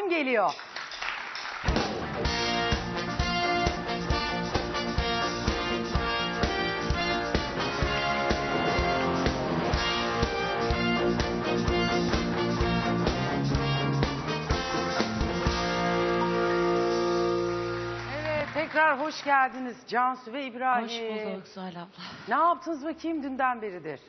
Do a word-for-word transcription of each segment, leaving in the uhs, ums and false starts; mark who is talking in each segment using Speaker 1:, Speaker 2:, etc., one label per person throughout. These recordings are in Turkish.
Speaker 1: Telefon geliyor. Tekrar hoş geldiniz Cansu ve İbrahim.
Speaker 2: Hoş bulduk Zuhal abla.
Speaker 1: Ne yaptınız bakayım dünden beridir?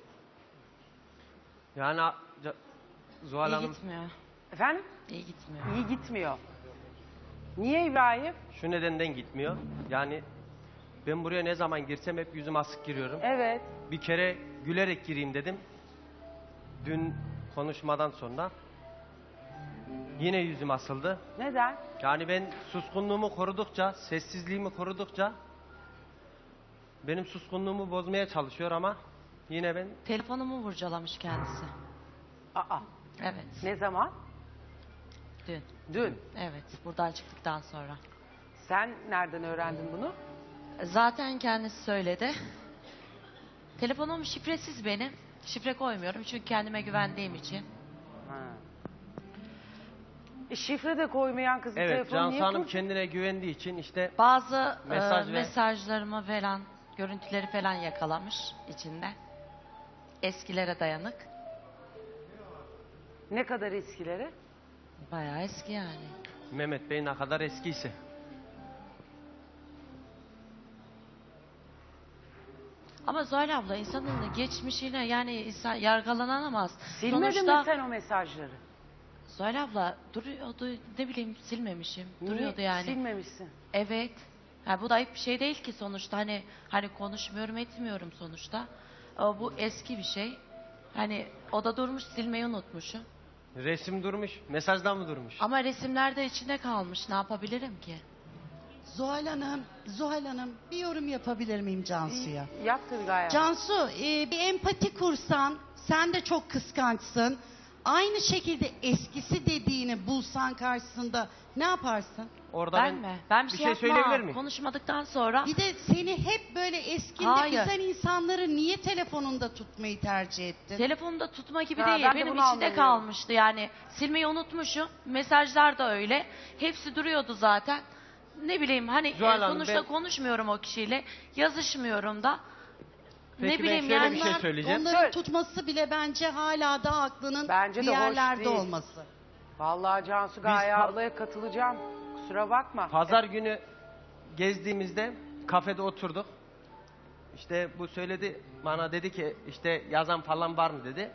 Speaker 3: Yani Zuhal
Speaker 2: İyi
Speaker 3: Hanım...
Speaker 2: gitmiyor.
Speaker 1: Efendim?
Speaker 2: İyi gitmiyor.
Speaker 1: İyi gitmiyor. Niye İbrahim?
Speaker 3: Şu nedenden gitmiyor. Yani ben buraya ne zaman girsem hep yüzüm asık giriyorum.
Speaker 1: Evet.
Speaker 3: Bir kere gülerek gireyim dedim. Dün konuşmadan sonra yine yüzüm asıldı.
Speaker 1: Neden?
Speaker 3: Yani ben suskunluğumu korudukça, sessizliğimi korudukça benim suskunluğumu bozmaya çalışıyor ama yine ben...
Speaker 2: Telefonumu vurcalamış kendisi.
Speaker 1: Aa.
Speaker 2: Evet.
Speaker 1: Ne zaman?
Speaker 2: Dün.
Speaker 1: Dün.
Speaker 2: Evet. Buradan çıktıktan sonra.
Speaker 1: Sen nereden öğrendin bunu?
Speaker 2: Zaten kendisi söyledi. Telefonum şifresiz benim. Şifre koymuyorum çünkü kendime güvendiğim için.
Speaker 1: Ha. E, şifre de koymayan kızın
Speaker 3: Evet,
Speaker 1: telefonu
Speaker 3: Cansu
Speaker 1: niye
Speaker 3: Hanım
Speaker 1: kur-
Speaker 3: kendine güvendiği için işte...
Speaker 2: Bazı
Speaker 3: Mesaj
Speaker 2: e,
Speaker 3: ve-
Speaker 2: mesajlarımı falan, görüntüleri falan yakalamış içinde. Eskilere dayanık.
Speaker 1: Ne kadar eskileri?
Speaker 2: Bayağı eski yani.
Speaker 3: Mehmet Bey ne kadar eskiyse.
Speaker 2: Ama Zuhal abla insanın geçmişine yani insan yargılanamaz.
Speaker 1: Silmedin
Speaker 2: Sonuçta
Speaker 1: mi sen o mesajları?
Speaker 2: Zuhal abla duruyordu, ne bileyim silmemişim.
Speaker 1: Niye
Speaker 2: Duruyordu yani.
Speaker 1: silmemişsin?
Speaker 2: Evet. Ha, bu da ayıp bir şey değil ki sonuçta. Hani hani konuşmuyorum etmiyorum sonuçta. Ama bu eski bir şey. Hani o da durmuş, silmeyi unutmuşum.
Speaker 3: Resim durmuş, mesajdan mı durmuş?
Speaker 2: Ama resimler de içinde kalmış. Ne yapabilirim ki?
Speaker 4: Zuhal Hanım, Zuhal Hanım bir yorum yapabilir miyim Cansu'ya?
Speaker 1: Yap tabii gayet.
Speaker 4: Cansu, e, bir empati kursan, sen de çok kıskançsın. Aynı şekilde eskisi dediğini bulsan karşısında ne yaparsın?
Speaker 3: Orada
Speaker 2: Ben, mi? Ben bir,
Speaker 3: bir
Speaker 2: şey,
Speaker 3: şey
Speaker 2: yapmam.
Speaker 3: söyleyebilir miyim?
Speaker 2: Konuşmadıktan sonra
Speaker 4: Bir de seni hep böyle eskinde
Speaker 2: Hayır.
Speaker 4: üzen insanları niye telefonunda tutmayı tercih ettin?
Speaker 2: telefonda tutma gibi
Speaker 1: Ha,
Speaker 2: değil.
Speaker 1: ben de
Speaker 2: Benim
Speaker 1: bunu
Speaker 2: içinde
Speaker 1: anlamıyorum.
Speaker 2: kalmıştı yani. Silmeyi unutmuşum. Mesajlar da öyle. Hepsi duruyordu zaten. Ne bileyim hani
Speaker 3: Zuhal
Speaker 2: e,
Speaker 3: Hanım,
Speaker 2: sonuçta
Speaker 3: ben-
Speaker 2: konuşmuyorum o kişiyle. Yazışmıyorum da.
Speaker 3: Peki
Speaker 2: ne
Speaker 3: ben
Speaker 2: bileyim
Speaker 3: şöyle
Speaker 2: yani.
Speaker 3: bir şey
Speaker 4: Onlar-
Speaker 3: söyleyeceğim.
Speaker 4: Onların
Speaker 1: Söyle.
Speaker 4: tutması bile bence hala da aklının
Speaker 1: Bence
Speaker 4: bir
Speaker 1: de hoş
Speaker 4: yerlerde
Speaker 1: değil.
Speaker 4: olması.
Speaker 1: Vallahi Cansu Gaye
Speaker 3: pa-
Speaker 1: ablaya katılacağım. Kusura bakma.
Speaker 3: Pazar günü gezdiğimizde kafede oturduk. İşte bu söyledi, bana dedi ki işte yazan falan var mı dedi.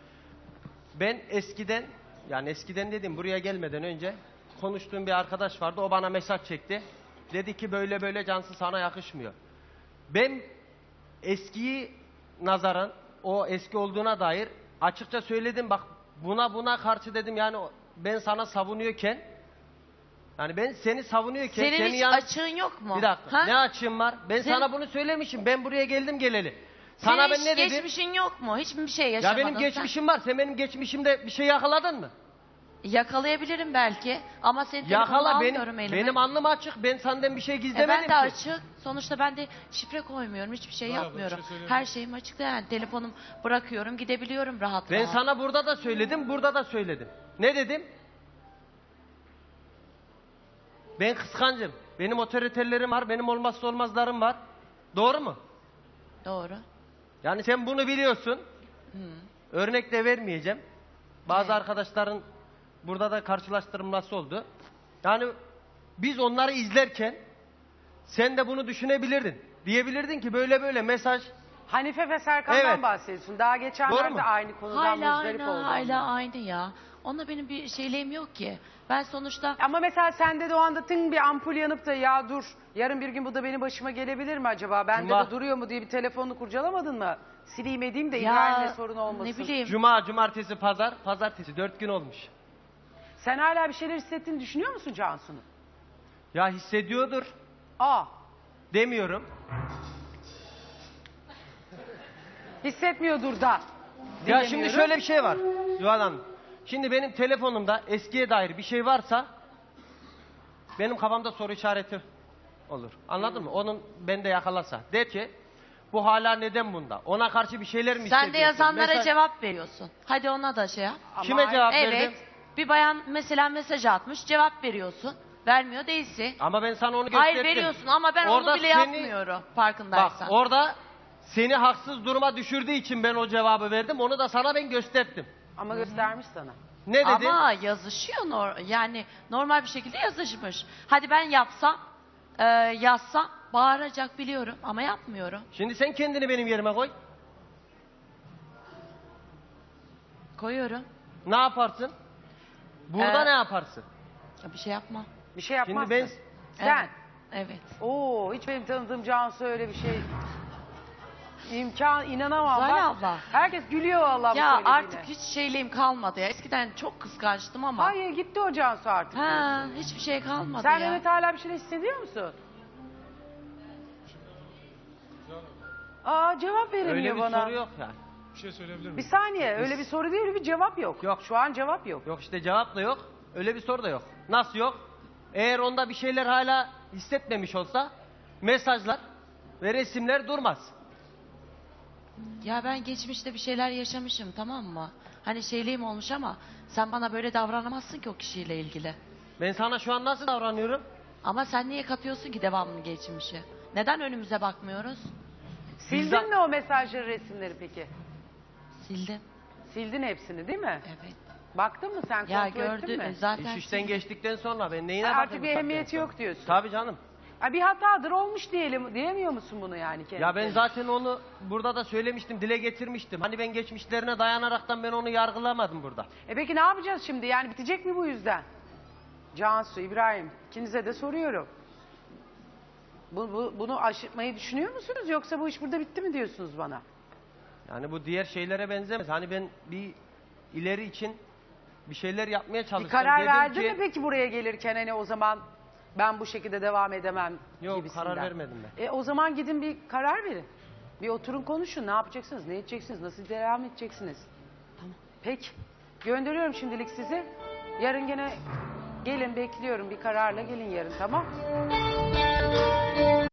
Speaker 3: Ben eskiden, yani eskiden dedim buraya gelmeden önce konuştuğum bir arkadaş vardı. O bana mesaj çekti. Dedi ki böyle böyle Cansu sana yakışmıyor. Ben eskiyi nazaran o eski olduğuna dair açıkça söyledim. Bak buna buna karşı dedim yani ben sana savunuyorken yani ben seni savunuyorken
Speaker 2: Senin
Speaker 3: seni
Speaker 2: hiç
Speaker 3: yan-
Speaker 2: açığın yok mu?
Speaker 3: Bir dakika.
Speaker 2: Ha?
Speaker 3: Ne açığım var? Ben
Speaker 2: Senin-
Speaker 3: sana bunu söylemişim. Ben buraya geldim geleli. Sana
Speaker 2: Senin
Speaker 3: ben
Speaker 2: hiç
Speaker 3: ne dedim?
Speaker 2: geçmişin yok mu? Hiçbir şey
Speaker 3: Ya
Speaker 2: yaşamadın
Speaker 3: benim
Speaker 2: sen.
Speaker 3: geçmişim var. Sen benim geçmişimde bir şey yakaladın mı?
Speaker 2: Yakalayabilirim belki ama senin telefonunu
Speaker 3: Yakala
Speaker 2: almıyorum
Speaker 3: benim.
Speaker 2: elime.
Speaker 3: Benim alnım açık. Ben senden bir şey
Speaker 2: E
Speaker 3: gizlemedim
Speaker 2: ben de
Speaker 3: ki.
Speaker 2: açık. Sonuçta ben de şifre koymuyorum. Hiçbir şey
Speaker 5: Bravo,
Speaker 2: yapmıyorum.
Speaker 5: bir şey söyleyeyim
Speaker 2: Her
Speaker 5: mi?
Speaker 2: şeyim açıkta yani. Telefonum bırakıyorum gidebiliyorum rahat
Speaker 3: Ben
Speaker 2: rahat.
Speaker 3: sana burada da söyledim, burada da söyledim. Ne dedim? Ben kıskancım. Benim otoriterlerim var, benim olmazsa olmazlarım var. Doğru mu?
Speaker 2: Doğru.
Speaker 3: Yani sen bunu biliyorsun. Örnek de vermeyeceğim. Bazı
Speaker 2: Evet.
Speaker 3: arkadaşların burada da karşılaştırılması oldu. Yani biz onları izlerken sen de bunu düşünebilirdin. Diyebilirdin ki böyle böyle mesaj.
Speaker 1: Hanife ve Serkan'dan
Speaker 3: Evet.
Speaker 1: bahsediyorsun. Daha
Speaker 3: Doğru
Speaker 1: geçenlerde
Speaker 3: mu?
Speaker 1: aynı konudan
Speaker 2: Hala
Speaker 1: muzdarip
Speaker 2: aynı,
Speaker 1: oldum.
Speaker 2: hala aynı ya. Onunla benim bir şeyliğim yok ki. Ben sonuçta
Speaker 1: Ama mesela sende de o anda tın bir ampul yanıp da ya dur yarın bir gün bu da benim başıma gelebilir mi acaba? Bende
Speaker 3: Cuma-
Speaker 1: de duruyor mu diye bir telefonunu kurcalamadın mı? Sileyim edeyim de
Speaker 2: ya
Speaker 1: İbrahim'le sorun olmasın.
Speaker 2: ne bileyim.
Speaker 3: Cuma, cumartesi, pazar, pazartesi dört gün olmuş.
Speaker 1: Sen hala bir şeyler hissettiğini düşünüyor musun Cansu'nun?
Speaker 3: Ya hissediyordur
Speaker 1: Aa,
Speaker 3: demiyorum.
Speaker 1: hissetmiyordur da.
Speaker 3: Ya şimdi
Speaker 1: diyemiyorum.
Speaker 3: şöyle bir şey var Yuval Hanım. Şimdi benim telefonumda eskiye dair bir şey varsa benim kafamda soru işareti olur. Anladın mı? Onun bende yakalasa. Der ki bu hala neden bunda? Ona karşı bir şeyler mi
Speaker 2: Sen de
Speaker 3: hissediyorsun?
Speaker 2: yazanlara
Speaker 3: Mesaj-
Speaker 2: cevap veriyorsun. Hadi ona da şey yap.
Speaker 1: Ama
Speaker 3: Kime cevap
Speaker 2: Evet.
Speaker 3: verdim?
Speaker 2: Bir bayan mesela mesaj atmış, cevap veriyorsun. Vermiyor değilsin.
Speaker 3: Ama ben sana onu gösterdim.
Speaker 2: Hayır veriyorsun ama ben
Speaker 3: Orada
Speaker 2: onu bile
Speaker 3: seni-
Speaker 2: yapmıyorum
Speaker 3: Bak
Speaker 2: farkındaysan.
Speaker 3: orada seni haksız duruma düşürdüğü için ben o cevabı verdim. Onu da sana ben gösterdim.
Speaker 1: Ama göstermiş sana.
Speaker 3: Ne dedin?
Speaker 2: Ama yazışıyor nor- yani normal bir şekilde yazışmış. Hadi ben yapsam, e, yazsam bağıracak biliyorum ama yapmıyorum.
Speaker 3: Şimdi sen kendini benim yerime koy.
Speaker 2: Koyuyorum.
Speaker 3: Ne yaparsın? Burada
Speaker 2: Ee,
Speaker 3: ne yaparsın?
Speaker 2: Ya bir şey yapmam.
Speaker 1: Bir şey yapmazsın.
Speaker 3: Şimdi ben
Speaker 1: Sen.
Speaker 2: Evet. evet.
Speaker 1: Oo, hiç benim tanıdığım Cansu öyle bir şey. İmkan, inanamam.
Speaker 2: Zuhal
Speaker 1: Bak,
Speaker 2: abla.
Speaker 1: Herkes gülüyor vallahi bu
Speaker 2: Ya
Speaker 1: söylediğine.
Speaker 2: artık hiç şeyliğim kalmadı ya. Eskiden çok kıskançtım ama.
Speaker 1: Hayır gitti o Cansu artık.
Speaker 2: Ha, hiçbir şey kalmadı
Speaker 1: Sen
Speaker 2: ya.
Speaker 1: Mehmet hala bir şey hissediyor musun? Aa cevap veremiyor
Speaker 3: öyle bir
Speaker 1: bana.
Speaker 3: soru yok yani.
Speaker 5: Bir şey söyleyebilir miyim?
Speaker 1: Bir saniye öyle bir soru değil öyle bir cevap yok.
Speaker 3: Yok.
Speaker 1: Şu an cevap yok.
Speaker 3: Yok işte cevap da yok. Öyle bir soru da yok. Nasıl yok? Eğer onda bir şeyler hala hissetmemiş olsa mesajlar ve resimler durmaz.
Speaker 2: Ya ben geçmişte bir şeyler yaşamışım tamam mı? Hani şeyliğim olmuş ama sen bana böyle davranamazsın ki o kişiyle ilgili.
Speaker 3: Ben sana şu an nasıl davranıyorum?
Speaker 2: Ama sen niye katıyorsun ki devamlı geçmişi? Neden önümüze bakmıyoruz?
Speaker 1: Sildin
Speaker 3: Bizden-
Speaker 1: mi o mesajları, resimleri peki?
Speaker 2: Sildim.
Speaker 1: Sildin hepsini değil mi?
Speaker 2: Evet.
Speaker 1: Baktın mı sen,
Speaker 2: Ya
Speaker 1: kontrol ettin
Speaker 2: gördü
Speaker 1: mi?
Speaker 2: zaten.
Speaker 3: İş işten
Speaker 2: sildim.
Speaker 3: geçtikten sonra ben neyine
Speaker 1: Ha,
Speaker 3: bakayım?
Speaker 1: artık bir
Speaker 3: bu
Speaker 1: ehemmiyeti
Speaker 3: saatten
Speaker 1: yok
Speaker 3: sonra?
Speaker 1: diyorsun.
Speaker 3: Tabii canım.
Speaker 1: Ha, bir hatadır olmuş diyelim diyemiyor musun bunu yani kendine?
Speaker 3: Ya ben zaten onu burada da söylemiştim, dile getirmiştim. Hani ben geçmişlerine dayanaraktan ben onu yargılamadım burada.
Speaker 1: E peki ne yapacağız şimdi? Yani bitecek mi bu yüzden? Cansu, İbrahim, ikinize de soruyorum. Bu, bu- bunu aşırtmayı düşünüyor musunuz yoksa bu iş burada bitti mi diyorsunuz bana?
Speaker 3: Yani bu diğer şeylere benzemez. Hani ben bir ileri için bir şeyler yapmaya
Speaker 1: Bir
Speaker 3: çalıştım.
Speaker 1: karar
Speaker 3: Dedim
Speaker 1: verdin
Speaker 3: ki-
Speaker 1: mi peki buraya gelirken hani o zaman ben bu şekilde devam edemem
Speaker 3: Yok,
Speaker 1: gibisinden?
Speaker 3: karar vermedim ben.
Speaker 1: E o zaman gidin bir karar verin. Bir oturun konuşun. Ne yapacaksınız? Ne edeceksiniz? Nasıl devam edeceksiniz? Tamam. Peki. Gönderiyorum şimdilik sizi. Yarın gene gelin bekliyorum. Bir kararla gelin yarın tamam?